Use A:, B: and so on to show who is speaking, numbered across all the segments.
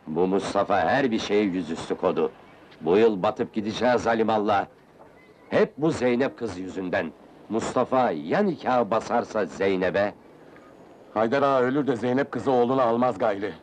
A: Bu Mustafa her bir şeyi yüzüstü kodu. Bu yıl batıp gideceğiz alimallah. Hep bu Zeynep kız yüzünden. Mustafa ya nikahı basarsa Zeynep'e?
B: Haydar ağa ölür de Zeynep kızı oğlunu almaz gayri.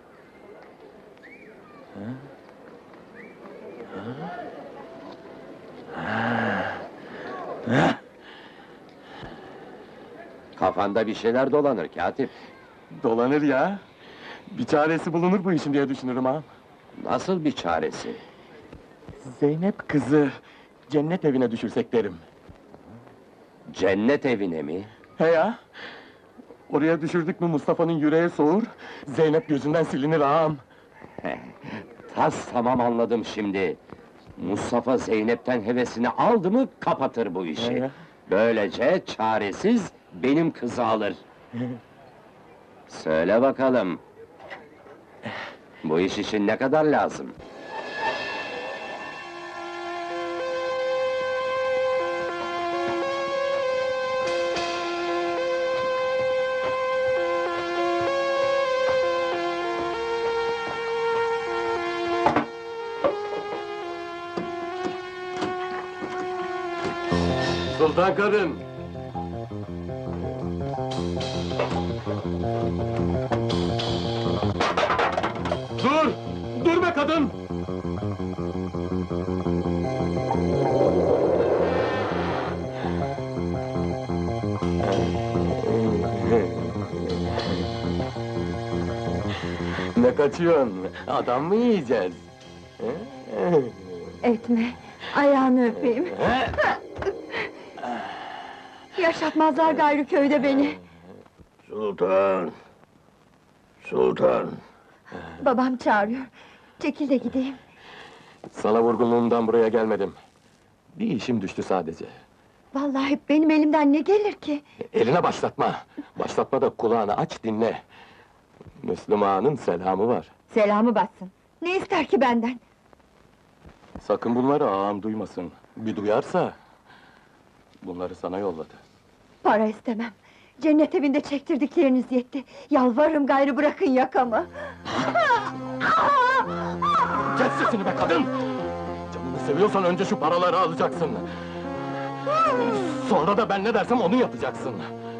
A: Kafanda bir şeyler dolanır katip.
B: Dolanır ya. Bir çaresi bulunur bu işin diye düşünürüm ağam.
A: Nasıl bir çaresi?
B: Zeynep kızı cennet evine düşürsek derim.
A: Cennet evine mi?
B: He ya! Oraya düşürdük mü Mustafa'nın yüreği soğur, Zeynep gözünden silinir ağam.
A: Tas tamam anladım şimdi. Mustafa Zeynep'ten hevesini aldı mı kapatır bu işi.
B: He.
A: Böylece çaresiz benim kızı alır. Söyle bakalım. Bu iş için ne kadar lazım?
B: Sultan kadın! Dur! Dur be kadın! Ne kaçıyorsun? Adam mı yiyeceğiz?
C: Etme, ayağını öpeyim. Yaşatmazlar gayrı köyde beni.
D: Sultan! Sultan!
C: Babam çağırıyor. Çekil de gideyim.
B: Sana vurgunluğumdan buraya gelmedim. Bir işim düştü sadece.
C: Vallahi benim elimden ne gelir ki?
B: Eline başlatma! Başlatma da kulağını aç dinle! Müslüm Ağa'nın selamı var.
C: Selamı batsın. Ne ister ki benden?
B: Sakın bunları ağam duymasın. Bir duyarsa... Bunları sana yolladı.
C: Para istemem. Cennet evinde çektirdikleriniz yetti. Yalvarırım gayrı bırakın yakamı.
B: Kes sesini be kadın! Canını seviyorsan önce şu paraları alacaksın. Sonra da ben ne dersem onu yapacaksın.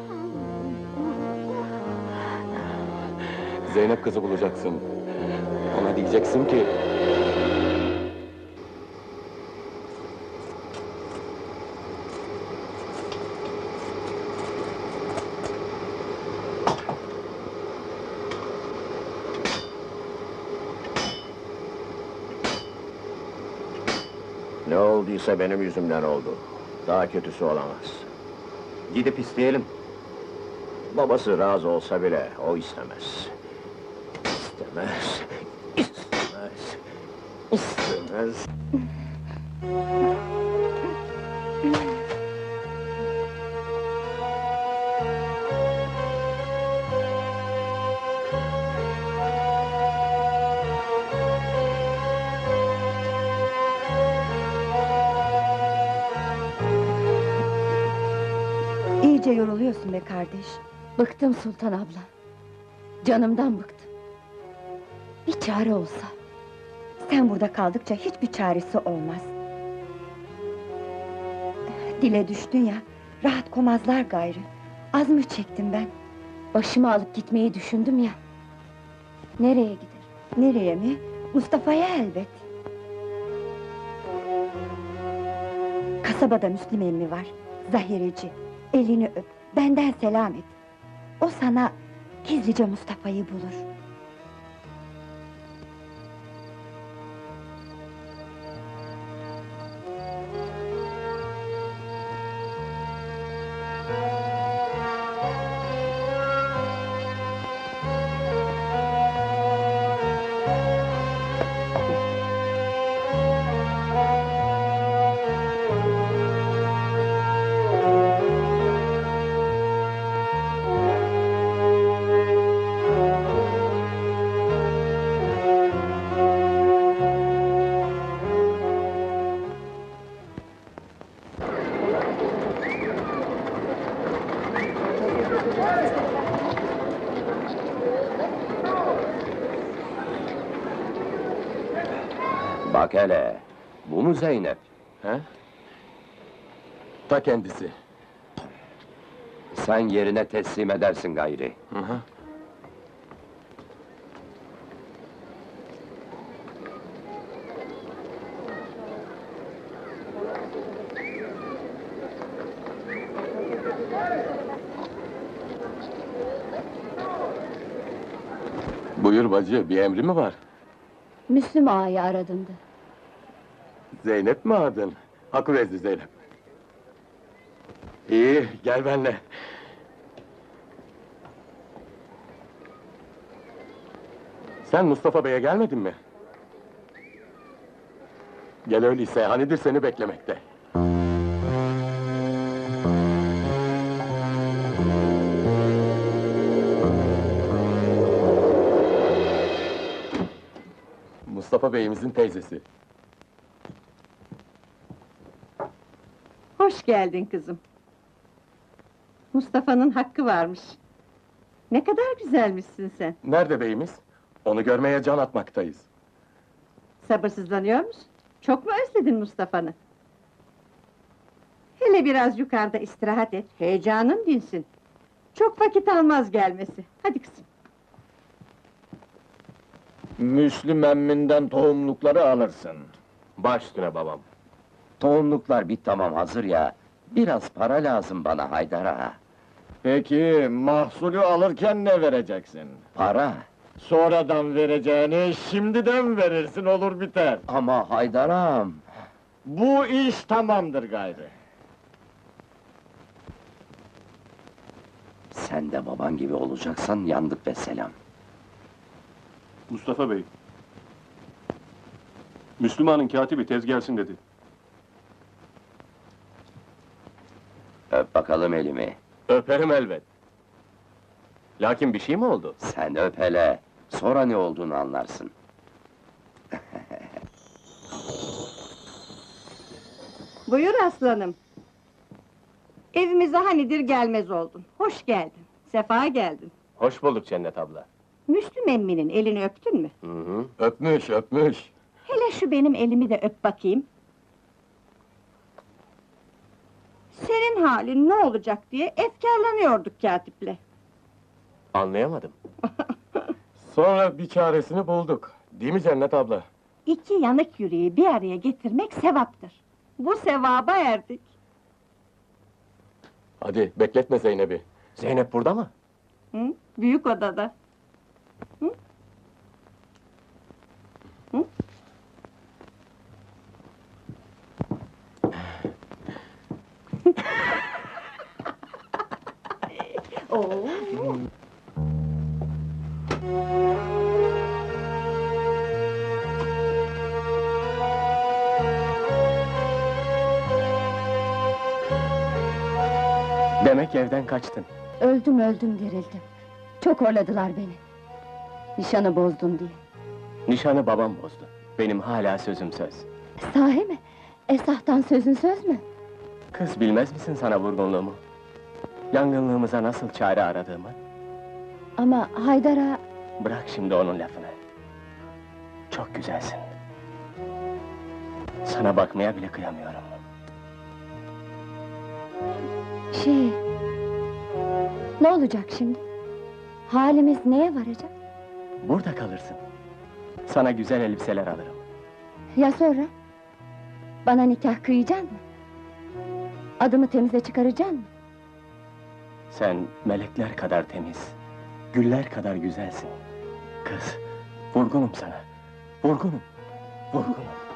B: Zeynep kızı bulacaksın. Ona diyeceksin ki...
D: Ne olduysa benim yüzümden oldu. Daha kötüsü olamaz.
A: Gidip isteyelim.
D: Babası razı olsa bile o istemez. İstemez. İstemez. İstemez.
C: İyice yoruluyorsun be kardeş. Bıktım Sultan abla. Canımdan bıktım. Bir çare olsa. Sen burada kaldıkça hiçbir çaresi olmaz. Dile düştün ya, rahat komazlar gayrı. Az mı çektim ben? Başımı alıp gitmeyi düşündüm ya. Nereye gider? Nereye mi? Mustafa'ya elbet. Kasabada Müslüm emmi var, zahireci. Elini öp, benden selam et. O sana gizlice Mustafa'yı bulur.
A: Bak hele, bu mu Zeynep?
B: He? Ta kendisi.
A: Sen yerine teslim edersin gayri.
B: Hı hı. Buyur bacı, bir emri mi var?
C: Müslüm ağayı aradım da.
B: Zeynep mi adın? Hakkı Zeynep. İyi, gel benimle. Sen Mustafa Bey'e gelmedin mi? Gel öyleyse, hanidir seni beklemekte. Mustafa Bey'imizin teyzesi.
E: Hoş geldin kızım. Mustafa'nın hakkı varmış. Ne kadar güzelmişsin sen.
B: Nerede beyimiz? Onu görmeye can atmaktayız.
E: Sabırsızlanıyor musun? Çok mu özledin Mustafa'nı? Hele biraz yukarıda istirahat et, heyecanın dinsin. Çok vakit almaz gelmesi. Hadi kızım.
D: Müslüm emminden tohumlukları alırsın.
B: Baş üstüne babam.
A: Tohumluklar bir tamam hazır ya. Biraz para lazım bana Haydar ağa.
D: Peki, mahsulü alırken ne vereceksin?
A: Para.
D: Sonradan vereceğini şimdiden verirsin, olur biter.
A: Ama Haydar ağam.
D: Bu iş tamamdır gayrı.
A: Sen de baban gibi olacaksan yandık ve selam.
F: Mustafa Bey. Müslümanın katibi tez gelsin dedi.
A: Öp bakalım elimi.
B: Öperim elbet. Lakin bir şey mi oldu?
A: Sen öp hele. Sonra ne olduğunu anlarsın.
E: Buyur aslanım. Evimize hanidir gelmez oldun. Hoş geldin. Sefa geldin.
B: Hoş bulduk Cennet abla.
E: Müslüm emminin elini öptün mü?
B: Hı hı. Öpmüş, öpmüş.
E: Hele şu benim elimi de öp bakayım. Senin halin ne olacak diye efkarlanıyorduk katiple.
B: Anlayamadım. Sonra bir çaresini bulduk. Değil mi Cennet abla?
E: İki yanık yüreği bir araya getirmek sevaptır. Bu sevaba erdik.
B: Hadi bekletme Zeynep'i. Zeynep burada mı?
E: Hı? Büyük odada. Hı? Hı? Oo.
B: Demek evden kaçtın.
C: Öldüm dirildim. Çok horladılar beni. Nişanı bozdun diye.
B: Nişanı babam bozdu. Benim hala sözüm söz.
C: Sahi mi? Esahtan sözün söz mü?
B: Kız bilmez misin sana vurgunluğumu? Yangınlığımıza nasıl çare aradığımı?
C: Ama Haydar ağa...
B: Bırak şimdi onun lafını. Çok güzelsin. Sana bakmaya bile kıyamıyorum.
C: Ne olacak şimdi? Halimiz neye varacak?
B: Burada kalırsın. Sana güzel elbiseler alırım.
C: Ya sonra? Bana nikah kıyacaksın mı? Adımı temize çıkaracaksın mı?
B: Sen melekler kadar temiz, güller kadar güzelsin. Kız, vurgunum sana. Vurgunum.